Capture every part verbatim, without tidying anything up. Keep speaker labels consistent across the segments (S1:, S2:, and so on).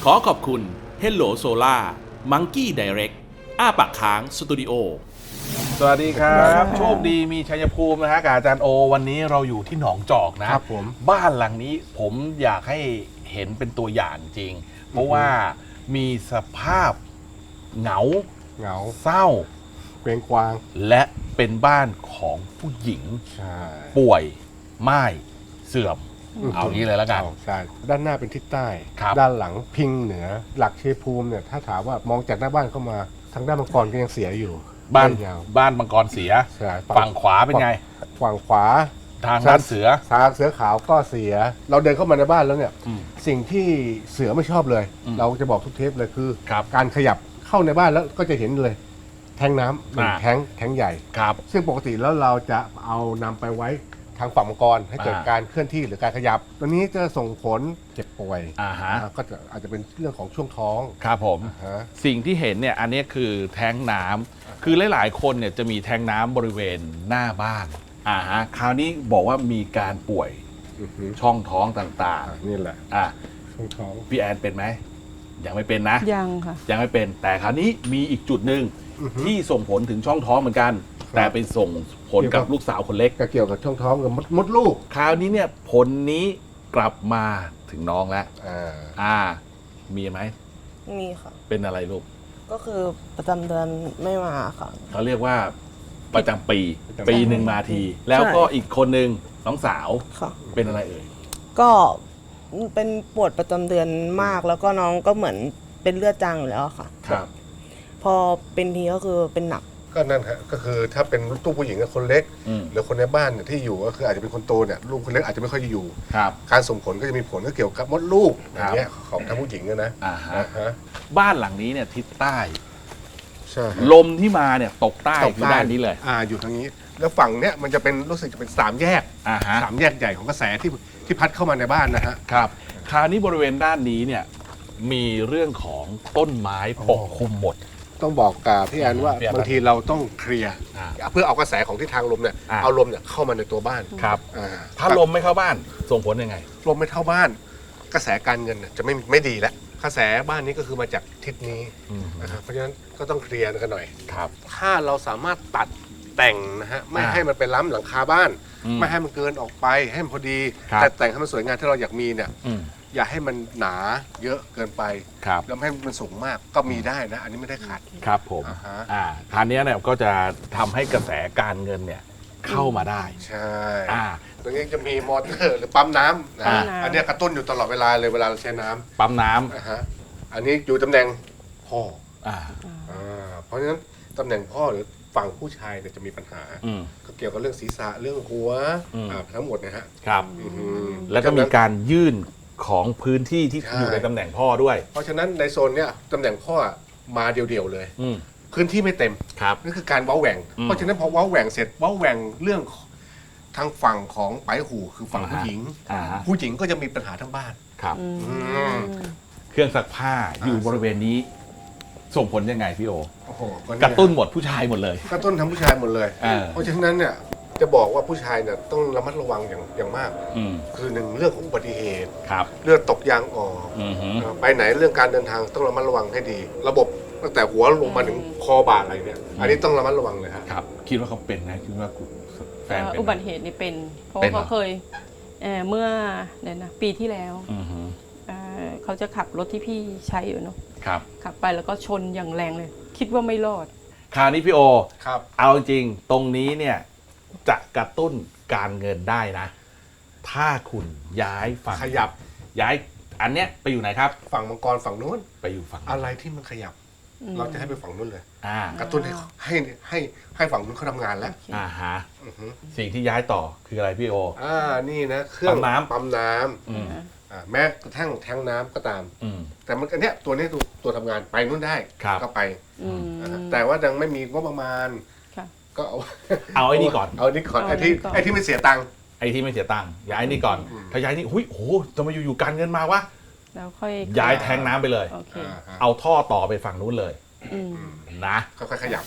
S1: ขอขอบคุณ Hello Solar Monkey Direct อ้าปากค้างสตูดิโอ
S2: สวัสดีครับโชคดีมีชัยภูมินะฮะกับอาจารย์โอวันนี้เราอยู่ที่หนองจอกนะครับผมบ้านหลังนี้ผมอยากให้เห็นเป็นตัวอย่างจริงเพราะว่ามีสภาพเหงา
S3: เหงา
S2: เศร้า
S3: เกรงกวาง
S2: และเป็นบ้านของผู้หญิงป่วยม่ายเสื่อมเอางี้เลยแล้วกัน
S3: ใช่ด้านหน้าเป็นทิศใต้ด้านหลังพิงเหนือหลักชัยภูมิเนี่ยถ้าถามว่ามองจากหน้าบ้านเข้ามาทางด้านมังกรก็ยังเสียอยู่
S2: บ้านบ้านมังกรเสียฝั่งขวาเป็นไง
S3: ฝั่งขวา
S2: ทางด้านเสือ
S3: ทางเสือขาวก็เสียเราเดินเข้ามาในบ้านแล้วเนี่ยสิ่งที่เสือไม่ชอบเลยเราจะบอกทุกเทปเลยคือการขยับเข้าในบ้านแล้วก็จะเห็นเลยแทงน้ำหนึ่งแทงแทงใหญ่ซึ่งปกติแล้วเราจะเอานำไปไว้ทางฝั่งมังกรให้เกิดการเคลื่อนที่หรือการขยับตัวนี้จะส่งผลเจ็บป่วย
S2: อ่าฮะ
S3: ก็จะอาจจะเป็นเรื่องของช่วงท้อง
S2: ครับผมสิ่งที่เห็นเนี่ยอันนี้คือแทงน้ำคือหลายๆคนเนี่ยจะมีแทงน้ำบริเวณหน้าบ้านอ่าฮะคราวนี้บอกว่ามีการป่วยช่องท้องต่าง
S3: ๆนี่แหละ
S2: อ่ะ
S3: ช่องท้อง
S2: พี่แอนเป็นไหมยังไม่เป็นนะ
S4: ยังค่ะ
S2: ยังไม่เป็นแต่คราวนี้มีอีกจุดหนึ่งที่ส่งผลถึงช่องท้องเหมือนกันแต่เป็นส่งผลกับลูกสาวคนเล็ก
S3: ก็เกี่ยวกับช่องท้องกับมดมดลูก
S2: คราวนี้เนี่ยผลนี้กลับมาถึงน้องแล้วอ่าอ่ามีไหม
S4: มีค่ะ
S2: เป็นอะไรลูก
S4: ก็คือประจำเดือนไม่มาค่ะ
S2: เขาเรียกว่าประจำปีปีหนึ่งมาทีแล้วก็อีกคนหนึ่งน้องสาวเป็นอะไรเอ่ย
S4: ก็เป็นปวดประจำเดือนมากแล้วก็น้องก็เหมือนเป็นเลือดจางอยู่แล้วค่ะ
S2: ครับ
S4: พอเป็นทีก็คือเป็นหนัก
S3: ก็นั่นฮะก็คือถ้าเป็นลูกผู้หญิงกับคนเล็กหรือคนในบ้านเนี่ยที่อยู่ก็คืออาจจะเป็นคนโตเนี่ยลูกคนเล็กอาจจะไม่ค่อยอยู่การส่งผลก็จะมีผลก็เกี่ยวกับมดลูกอย่างเงี้ยของทั้งผู้หญิงนะ
S2: อ่าฮะบ้านหลังนี้เนี่ยทิศใต้
S3: ใช่
S2: ลมที่มาเนี่ยตกใต้คือด้านนี้เลย
S3: อ่าอยู่ทางนี้แล้วฝั่งเนี้ยมันจะเป็นรู้สึกจะเป็นสามแยกอ่าฮะสามแยกใหญ่ของกระแสที่ที่พัดเข้ามาในบ้านนะฮะ
S2: ครับคราวนี้บริเวณด้านนี้เนี่ยมีเรื่องของต้นไม้ปกคลุมหมด
S3: ต้องบอกกับพี่แอนว่าบางทีเราต้องเคลียร์เพื่อเอากระแสของทิศทางลมเนี่ยเอาลมเนี่ยเข้ามาในตัวบ้าน
S2: ครับถ้าลมไม่เข้าบ้านส่งผลยังไง
S3: ลมไม่เข้าบ้านกระแสการเงินจะไม่ไม่ดีแล้วกระแสบ้านนี้ก็คือมาจากทิศนี้นะครับเพราะฉะนั้นก็ต้องเคลียร์กันหน่อย
S2: ครับ
S3: ถ้าเราสามารถตัดแต่งนะฮะไม่ให้มันไปล้ำหลังคาบ้านไม่ให้มันเกินออกไปให้มันพอดีแต่แต่งให้มันสวยงามที่เราอยากมีเนี่ยอย่าให้มันหนาเยอะเกินไปแล้วไม่ให้มันสูงมากก็มีได้นะอันนี้ไม่ได้ขัด
S2: ครับผมอ่าคราวนี้เนี่ยก็จะทำให้กระแสการเงินเนี่ยเข้ามาได้
S3: ใช่อ่าตรงนี้จะมีมอเตอร์หรือปั๊มน้ำนะอันนี้กระตุ้นอยู่ตลอดเวลาเลยเวลาเราใช้น้ำ
S2: ปั๊มน้ำ
S3: อ่าฮะอันนี้อยู่ตำแหน่งพ่ออ่าอ่าเพราะฉะนั้นตำแหน่งพ่อหรือฝั่งผู้ชายเนี่ยจะมีปัญหาก็เกี่ยวกับเรื่องศีรษะเรื่องหัวทั้งหมดนะฮะ
S2: ครับแล้วก็มีการยื่นของพื้นที่ที่อยู่ในตำแหน่งพ่อด้วย
S3: เพราะฉะนั้นในโซนเนี้ยตำแหน่งพ่อมาเดี่ยวๆเลยพื้นที่ไม่เต็มนั่นคือการเว้าแหว่งเพราะฉะนั้นพอเว้าแหว่งเสร็จเว้าแหว่งเรื่องทางฝั่งของไปหูคือฝั่งผู้หญิงผู้หญิงก็จะมีปัญหาทั้งบ้าน
S2: ครับเครื่องซักผ้าอยู่บริเวณนี้ส่งผลยังไงพี่โอกระตุ้นหมดผู้ชายหมดเลย
S3: กระตุ้นทั้งผู้ชายหมดเลยเพราะฉะนั้นเนี่ยจะบอกว่าผู้ชายเนี่ยต้องระมัดระวังอย่างอย่างมากคือหนึ่งเรื่องของอุบัติเหตุเลือดตกยางออกไปไหนเรื่องการเดินทางต้องระมัดระวังให้ดีระบบตั้งแต่หัวลงมาถึงคอบ่าอะไรเนี่ยอันนี้ต้องระมัดระวังเลย
S2: ครับคิดว่าเขาเป็นนะคิดว่าแฟนเป็น
S4: อุบัติเหตุนี่เป็นเพราะเขาเคยเมื่อเนี่ยนะปีที่แล้วเขาจะขับรถที่พี่ใช้อยู่เนาะขับไปแล้วก็ชนอย่างแรงเลยคิดว่าไม่รอด
S2: คราวนี้พี่โอเอาจริงตรงนี้เนี่ยจะกระตุ้นการเงินได้นะถ้าคุณย้ายฝั่ง
S3: ขยับ
S2: ย้ายอันเนี้ยไปอยู่ไหนครับ
S3: ฝั่งมังกรฝั่งนู้น
S2: ไปอยู่ฝั่ง
S3: อะไรที่มันขยับเราจะให้ไปฝั่งนู้นเลยกระตุ้นให้ให้ให้ให้ฝั่งนู้นเขาทำงานแล้ว
S2: อ่าฮะสิ่งที่ย้ายต่อคืออะไรพี่โอ
S3: อ่านี่นะเครื่อง
S2: ปั๊มน้ำ
S3: ปั๊มน้ำแม้กระทั่งแทงน้ำก็ตามแต่มันอันเนี้ยตัวนี้ตัวตัวทำงานไปนู้นได้ก็ไปแต่ว่ายังไม่มีงบประมาณก็เอา
S2: เอาไอ้นี่ก่อน
S3: เอาไอ้นี่ก่อนไอ้ที่ไอ้ที่ไม่เสียตังค์
S2: ไอ้ที่ไม่เสียตังค์ย้ายนี่ก่อนถ้าย้ายนี่หุ้ยโอ้จะมาอยู่ๆการเงินมาวะ
S4: แล้วค่อย
S2: ย้ายแทงน้ำไปเลยเอาท่อต่อไปฝั่งนู้นเลยนะ
S3: ค่อยๆขยับ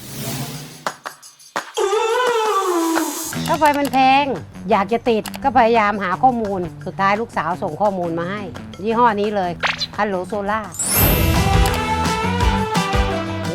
S5: ค่าไฟมันแพงอยากจะติดก็พยายามหาข้อมูลสุดท้ายลูกสาวส่งข้อมูลมาให้ยี่ห้อนี้เลยฮัลโหลโซล่า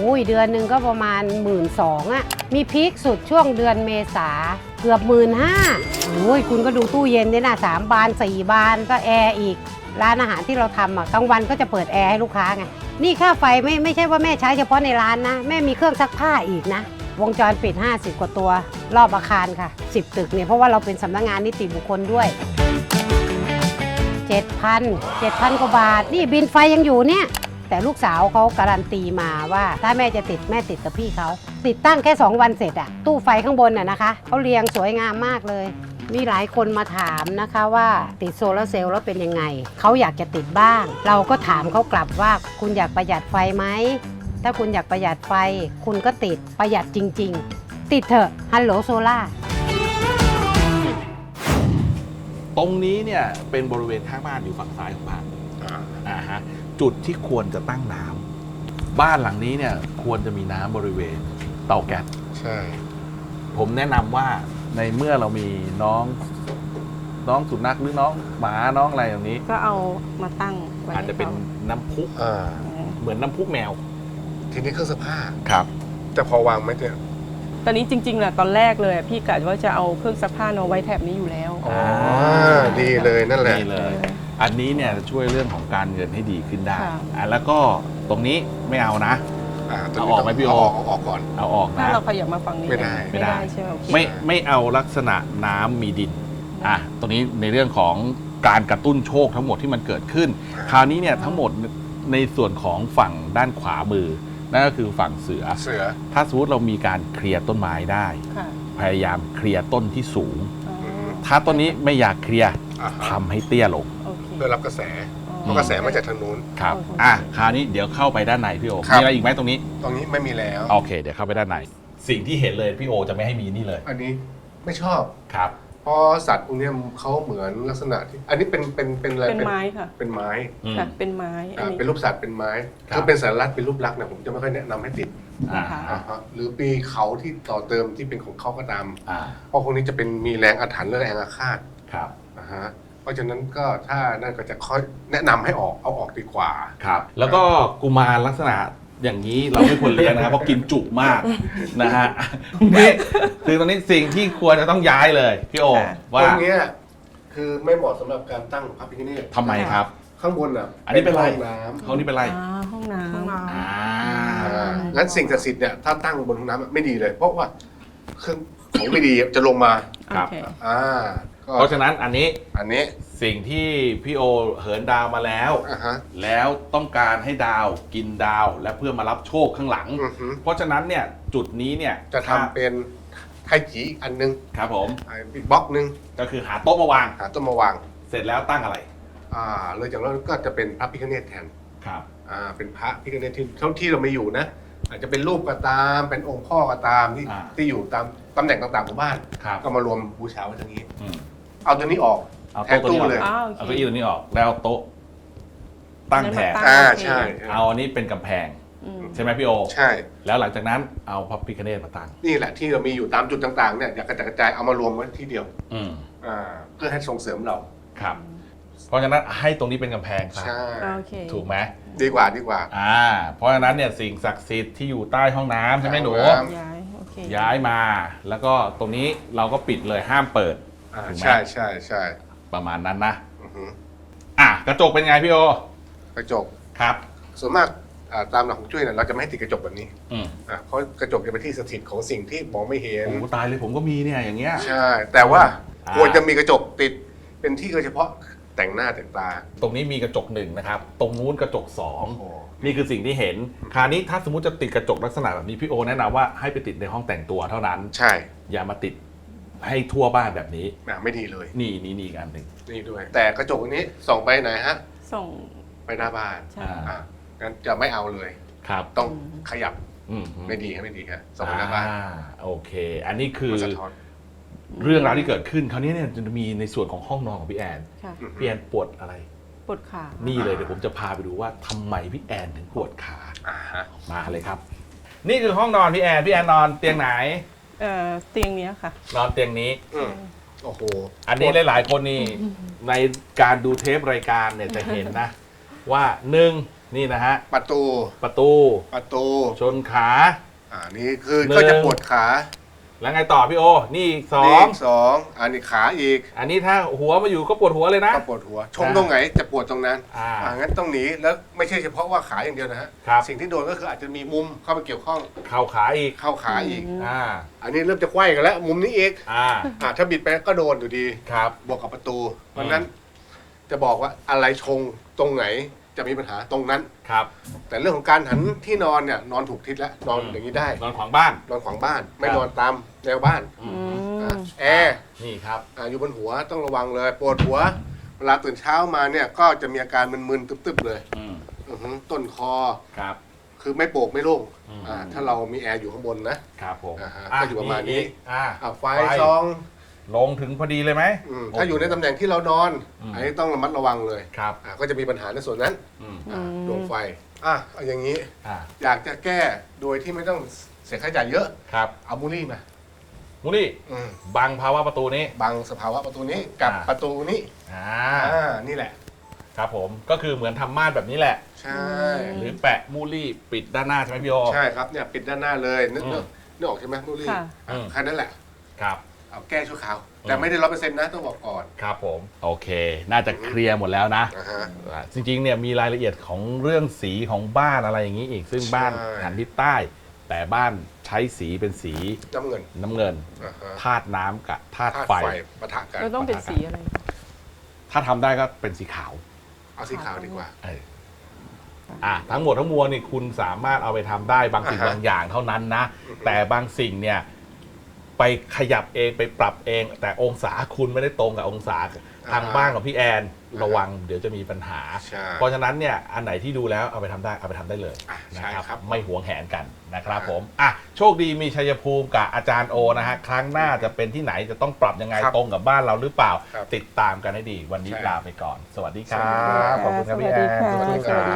S5: อ้ยเดือนหนึ่งก็ประมาณหมื่นสองอะมีพีคสุดช่วงเดือนเมษาเกือบหมื่นห้าโอ้ยคุณก็ดูตู้เย็นเนี่ยนะสามบานสี่บานก็แอร์อีกร้านอาหารที่เราทำอะกลางวันก็จะเปิดแอร์ให้ลูกค้าไงนี่ค่าไฟไม่ไม่ใช่ว่าแม่ใช้เฉพาะในร้านนะแม่มีเครื่องซักผ้าอีกนะวงจรปิดห้าสิบกว่าตัวรอบอาคารค่ะสิบตึกเนี่ยเพราะว่าเราเป็นสำนักงานนิติบุคคลด้วย เจ็ดพัน เจ็ดพัน กว่าบาทนี่บินไฟยังอยู่เนี่ยแต่ลูกสาวเขาการันตีมาว่าถ้าแม่จะติดแม่ติดกับพี่เขาติดตั้งแค่สองวันเสร็จอะตู้ไฟข้างบนน่ะนะคะเขาเรียงสวยงามมากเลยมีหลายคนมาถามนะคะว่าติดโซลาร์เซลล์แล้วเป็นยังไงเขาอยากจะติดบ้างเราก็ถามเขากลับว่าคุณอยากประหยัดไฟไหมถ้าคุณอยากประหยัดไฟคุณก็ติดประหยัดจริงๆติดเถอะฮัลโหลโซล่า
S2: ตรงนี้เนี่ยเป็นบริเวณข้างบ้านอยู่ฝั่งซ้ายของบ้านอ่าฮะจุดที่ควรจะตั้งน้ำบ้านหลังนี้เนี่ยควรจะมีน้ำบริเวณเตาแก๊ส
S3: ใช่
S2: ผมแนะนำว่าในเมื่อเรามีน้องน้องสุนัขหรือน้องหมาน้องอะไรอย่างนี้
S4: ก็เอามาตั้งไว้
S2: อาจจะเป็น
S4: ให้
S2: น้ำพุ
S3: อ่า
S2: เหมือนน้ำพุแมว
S3: ทีนี้เครื่องซักผ้า
S2: ครับ
S3: จะพอวางไหมเนี่ย
S4: ตอนนี้จริงๆแหละตอนแรกเลยอะพี่กะว่าจะเอาเครื่องซักผ้าเอาไว้แถบนี้อยู่แล้ว
S3: อ๋อดีเลยนั่นแหละ
S2: นี่เลย อันนี้เนี่ยจะช่วยเรื่องของการเงินให้ดีขึ้นได้
S4: ค่ะ
S2: อ่ะแล้วก็ตรงนี้ไม่เอานะ
S3: อ่าตัว
S2: เอา
S3: นี้
S2: ออกไหมพี่โอ
S3: เาออกเอาออกก่อน
S2: เอาออก
S4: ถ้า
S2: นะ
S4: เราขยับมาฝั่งนี้
S3: ไม่ได้
S4: ไม่ได้ใช่ไหมโอเค
S2: ไม่ไม่เอาลักษณะน้ำมีดินอ่ะตรงนี้ในเรื่องของการกระตุ้นโชคทั้งหมดที่มันเกิดขึ้น คราวนี้เนี่ยทั้งหมดในส่วนของฝั่งด้านขวามือนั่นก็คือฝั่งเสือ
S3: เสือ
S2: ถ้าสมมติเรามีการเคลียร์ต้นไม้ได้
S4: ค่ะ
S2: พยายามเคลียร์ต้นที่สูง
S4: อ๋อ
S2: ถ้าต้นนี้ไม่อยากเคลียร์
S3: อ่าฮะ
S2: ทำให้เตี้ยลง
S4: โอเค
S3: เพื่อรับกระแสเพ
S4: อ๋อ
S3: ราะกระแสมาจากทางนู้น
S2: ครับ
S4: โอเค
S2: อ่ะคราวนี้เดี๋ยวเข้าไปด้านในพี่โอ
S3: ครับ
S2: มีอะไรอีกไหมตรงนี้
S3: ตรงนี้ไม่มีแล้ว
S2: โอเค เดี๋ยวเข้าไปด้านในสิ่งที่เห็นเลยพี่โอจะไม่ให้มีนี่เลย
S3: อันนี้ไม่ชอบ
S2: ครับ
S3: เพราะสัตว์พวกเนี้ยเขาเหมือนลักษณะที่อันนี้เป็นเป็นเป็นอะไร
S4: เป็นไม้ค่ะ
S3: เป็นไม้
S2: อืม
S4: ค่ะ เป็นไม้อัน
S3: อ่า
S4: นี้
S3: เป็นรูปสัตว์เป็นไม้
S2: ครับ
S3: ถ้าเป็นสัญลักษณ์เป็นรูปลักษณ์นะผมจะไม่ค่อยแนะนำให้ติด
S2: อ่า
S4: นะคะ
S3: อ่าฮะหรือปีเขาที่ต่อเติมที่เป็นของเขาก็ตาม
S2: อ่า
S3: เพราะพวกนี้จะเป็นมีแรงอาถรรพ์และแรงอาฆาต
S2: ครับ
S3: นะฮะเพราะฉะนั้นก็ถ้านั่นก็จะค่อยแนะนำให้ออกเอาออกดีกว่า
S2: ครับ แล้วก็กุมารลักษณะอย่างนี้เราไม่ควรเลี้ยงนะครับ เพราะกินจุมากนะฮะนี่คือตอนนี้สิ่งที่ควรจะต้องย้ายเลยพี่โอ
S4: ค่ะ
S2: ว่า
S3: ตรงเนี้ยคือไม่เหมาะสำหรับการตั้งพระพิฆเนศ
S2: ทำไมครับ
S3: ข้างบนอ่ะ
S2: อันนี้เป็นไร
S3: ห้องน้
S2: ห้องนี้เป็นไร
S4: อ่าห้องน้ำ
S2: อ่า
S3: ำอ่างั้นสิ่งศักดิ์สิทธิ์เนี่ยถ้าตั้งบนห้องน้ำอะไม่ดีเลย เพราะว่าเครื่องของไม่ดีจะลงมา
S2: ครับ
S4: โอเค
S3: อ่าก็
S2: เพราะฉะนั้นอันนี้
S3: อันนี้
S2: สิ่งที่พี่โอเหินดาวมาแล้ว
S3: อ่าฮะ
S2: แล้วต้องการให้ดาวกินดาวและเพื่อมารับโชคข้างหลัง
S3: อือฮึ
S2: เพราะฉะนั้นเนี่ยจุดนี้เนี่ย
S3: จะทำเป็นไทจีอีกอันนึง
S2: ครับผม
S3: อีกบล็อกนึง
S2: ก็คือหาโต๊ะมาวาง
S3: หาต้นมาวาง
S2: เสร็จแล้วตั้งอะไร
S3: อ่าเลยจากนั้นก็จะเป็นพระพิฆเนศแทน
S2: ครับ
S3: อ่าเป็นพระพิฆเนศที่เท่าที่เราไม่อยู่นะ อาจจะเป็นรูปก็ตามเป็นองค์พ่อก็ตามที่
S2: อ่า
S3: ที่อยู่ตามตำแหน่งต่างๆของบ้าน
S2: ครับ
S3: ก็มารวมบูชาไว้ตรงนี้
S2: อืม
S3: เอาตัวนี้ออก
S2: เอา
S3: แท
S2: โต๊ะ
S3: น
S2: ตัวนี้ออก
S3: ตู้เลย
S4: อ้าวโอ
S2: เอา
S4: เค
S2: เก้าอี้ตัวนี้ออกแล้วโต๊ะตั้งแทน
S4: ตั้ง
S3: อ่า
S4: โอเค
S3: ใช่
S2: เอาอันนี้เป็นกำแพง
S4: อืม
S2: ใช่ไหมพี่โอ
S3: ใช่
S2: แล้วหลังจากนั้นเอาพระพิฆเนศมาตั้ง
S3: นี่แหละที่เรามีอยู่ตามจุดต่างๆเนี่ยอยากกระจายกระจายเอามารวมไว้ที่เดียว
S2: อืม
S3: อ่าเพื่อให้ส่งเสริมเรา
S2: ครับ เพราะฉะนั้นให้ตรงนี้เป็นกำแพงครับ
S3: ใช่
S4: โอเค
S2: ถูกไหม
S3: ดีกว่าดีกว่า
S2: อ่า เพราะฉะนั้นเนี่ยสิ่งศักดิ์สิทธิ์ที่อยู่ใต้ห้องน้ำใช่ไหมหนู
S3: ห้องน้ำ
S4: ย้าย โอเค
S2: ย้ายมาแล้วก็ตรงนี้เราก็ปิดเลยห้ามเปิด
S3: อ่า
S2: ถูกไหม
S3: ใช่ใช่ใช่
S2: ประมาณนั้นนะ
S3: อือฮึ
S2: อ่ะกระจกเป็นไงพี่โอก
S3: ระจก
S2: ครับ
S3: ส่วนมากอ่าตามหลักของจุ้ยเนี่ยเราจะไม่ให้ติดกระจกแบบนี้
S2: อืม
S3: อ่ะเพราะกระจกจะเป็นที่สถิตของสิ่งที่มองไม่เห็น
S2: โอ้ตายเลยผมก็มีเนี่ยอย่างเงี้ย
S3: ใช่ แต่ว่า
S2: อ่า
S3: ควรจะมีกระจกติดเป็นที่โดยเฉพาะแต่งหน้าแต่งตา
S2: ตรงนี้มีกระจกหนึ่งนะครับ ตรงนู้นกระจกสอง
S3: โอ้
S2: นี่คือสิ่งที่เห็น คราวนี้ถ้าสมมติจะติดกระจกลักษณะแบบนี้พี่โอแนะนำว่าให้ไปติดในห้องแต่งตัวเท่านั้น
S3: ใช่
S2: อย่ามาติดให้ทั่วบ้านแบบนี้
S3: อ่ะไม่ดีเลย
S2: นี่นี่นี่อีกอันหนึ่ง
S3: นี่ด้วย แต่กระจกอันนี้ส่องไปไหนฮะ
S4: ส่ง
S3: ไปหน้าบ้าน
S4: ใช่
S2: อ่า
S3: อ่ะงั้นจะไม่เอาเลย
S2: ครับ
S3: ต้องขยับ
S2: อืม
S3: ไม่ดีครับไม่ดีครับส่องไปหน้าบ้าน
S2: อ่โอเค อันนี้คือ
S3: มันสะท้อน
S2: เรื่องราวที่เกิดขึ้น คราวนี้เนี่ยจะมีในส่วนของห้องนอนของพี่แอน
S4: ค่ะ
S2: พี่แอนปวดอะไร
S4: ปวดขา
S2: นี่เลยเดี๋ยวผมจะพาไปดูว่าทำไมพี่แอนถึงปวดขา
S3: อ่าฮะ
S2: มาเลยครับ นี่คือห้องนอนพี่แอนพี่แอนนอนเตียงไหน
S4: เอ่อเตียงเนี้ยค่ะ
S2: นอนเตียงนี้
S3: อืมโอ้โห
S2: อันนี้หลายๆคนนี่ในการดูเทปรายการเนี่ยจะเห็นนะ ว่าหนึ่งนี่นะฮะ
S3: ประตู
S2: ประตู
S3: ประตู
S2: ชนขา
S3: อ่านี่คือ
S2: หนึ่ง
S3: ก็จะปวดขา
S2: แล้วไงต่อพี่โอ นี่อีกสอ
S3: นี่
S2: ง
S3: อีกสองอันนี้ขาอีก
S2: อันนี้ถ้าหัวมาอยู่ก็ปวดหัวเลยนะ
S3: ก็ปวดหัว ชงตรงไหนจะปวดตรงนั้น
S2: อ่า
S3: อ่างั้นต้องหนีแล้วไม่ใช่เฉพาะว่าขาอย่างเดียวนะฮะ
S2: ครับ
S3: สิ่งที่โดนก็คืออาจจะมีมุมเข้าไปเกี่ยวข้อง
S2: เข่าขาอีก
S3: เข้าขาอีก
S2: อ่า
S3: อันนี้เริ่มจะไขว้กันแล้ว มุมนี้อีก
S2: อ่า
S3: อ่าถ้าบิดไปก็โดนอยู่ดี
S2: ครับ
S3: บวกกับประตูเพราะฉะนั้นจะบอกว่าอะไรชงตรงไหนจะมีปัญหาตรงนั้น
S2: ครับ
S3: แต่เรื่องของการหันที่นอนเนี่ยนอนถูกทิศแล้วนอนอย่างนี้ได้
S2: นอนขวางบ้าน
S3: นอนขวางบ้าน ไม่
S2: ครับ
S3: นอนตามแนวบ้าน
S4: อื
S3: อ่ะ
S4: ม
S3: แอร์
S2: นี่ครับ
S3: อ่ะอยู่บนหัวต้องระวังเลยปวดหัว เวลาตื่นเช้ามาเนี่ยก็จะมีอาการมึนๆตึบๆเลย
S2: อืม
S3: อือหือต้นคอ
S2: ครับ
S3: คือไม่โปร่งไม่โล่ง
S2: อืม
S3: อ่าถ้าเรามีแอร์อยู่ข้างบนนะครับ
S2: ผม
S3: อ่าฮะก็อยู่ประมาณนี้
S2: อีกอ่า
S3: อ่ะไฟ
S2: ไฟ
S3: ซอง
S2: ลงถึงพอดีเลยไหม
S3: อืมถ้าอยู่ในตำแหน่งที่เรานอน
S2: อืม
S3: อันนี้ต้องระมัดระวังเลย
S2: ครับ
S3: อ่ะก็จะมีปัญหาในส่วนนั้น
S2: อืม
S3: อ่ะ
S4: อืม
S3: ดวงไฟอ่ะเอาอย่างนี้
S2: อ่า
S3: อยากจะแก้โดยที่ไม่ต้องเสียค่าใช้จ่ายเยอะ
S2: ครับ
S3: เอามูลี่มา
S2: มูนี่
S3: อืม
S2: บังภาวะประตูนี้
S3: บังสภาวะประตูนี้กับ
S2: อ่า
S3: ประตูนี้
S2: อ่า
S3: อ่านี่แหละ
S2: ครับผม ก็คือเหมือนทำม่านแบบนี้แหละ
S3: ใช่
S2: หรือแปะมูลี่ปิดด้านหน้าใช่ไหมพี่โอ
S3: ใช่ครับเนี่ยปิดด้านหน้าเลยนึก
S2: อืม
S3: นึกนึกออกใช่ไหมมูลี่
S4: ค่ะ
S3: อ่ะ
S2: อืม
S3: แค่นั้นแหละ
S2: ครับ
S3: เอาแก้ชั่วคราว
S2: อืม
S3: แต่ไม่ได้ร้อยเปอร์เซ็นต์นะต้องบอกก่อน
S2: ครับผม โอเค น่าจะเคลียร์หมดแล้วนะ
S3: นะฮะ
S2: อ่าจริงๆ เนี่ยมีรายละเอียดของเรื่องสีของบ้านอะไรอย่างนี้อีก ซึ่งบ้าน
S3: ใช่
S2: หันทิศใต้ แต่บ้านใช้สีเป็นสี
S3: น้ำเงิน
S2: น้ำเงิน
S3: อ่าฮะ
S2: ธาตุน้ำกับธาตุ
S3: ธาตุ
S2: ไฟ
S3: ไฟปะทะกัน
S4: เราต้องเป็นสีอะไร
S2: ถ้าทำได้ก็เป็นสีขาว
S3: เอาสีขาวดีกว่า
S2: เอออ่ะทั้งหมดทั้งมวลนี่คุณสามารถเอาไปทำได้บางสิ่ง
S3: อ่าฮะ
S2: บางอย่างเท่านั้นนะ
S3: อือฮึ
S2: แต่บางสิ่งเนี่ยไปขยับเองไปปรับเอง แต่องศาคุณไม่ได้ตรงกับองศาทางบ้านของพี่แอนระวังเดี๋ยวจะมีปัญหา
S3: ใช่
S2: เพราะฉะนั้นเนี่ยอันไหนที่ดูแล้วเอาไปทำได้เอาไปทำได้เลย
S3: อ่ะ
S2: นะ
S3: ใช่
S2: ครับ
S3: ครับ
S2: ไม่หวงแหนกันนะครับ
S3: อ่า
S2: ผมอ่ะโชคดีมีชัยภูมิกับอาจารย์โอนะฮะครั้งหน้าจะเป็นที่ไหนจะต้องปรับยังไง
S3: ครับ
S2: ตรงกับบ้านเราหรือเปล่า
S3: ครับ
S2: ติดตามกันให้ดีวันนี้
S3: ใช่
S2: ลาไปก่อน สวัสดีครั
S3: สวัสดีครับ บ
S2: ขอบคุณครับพี่แอน
S4: สวัสดีค่ะ
S3: สวัสดีครับ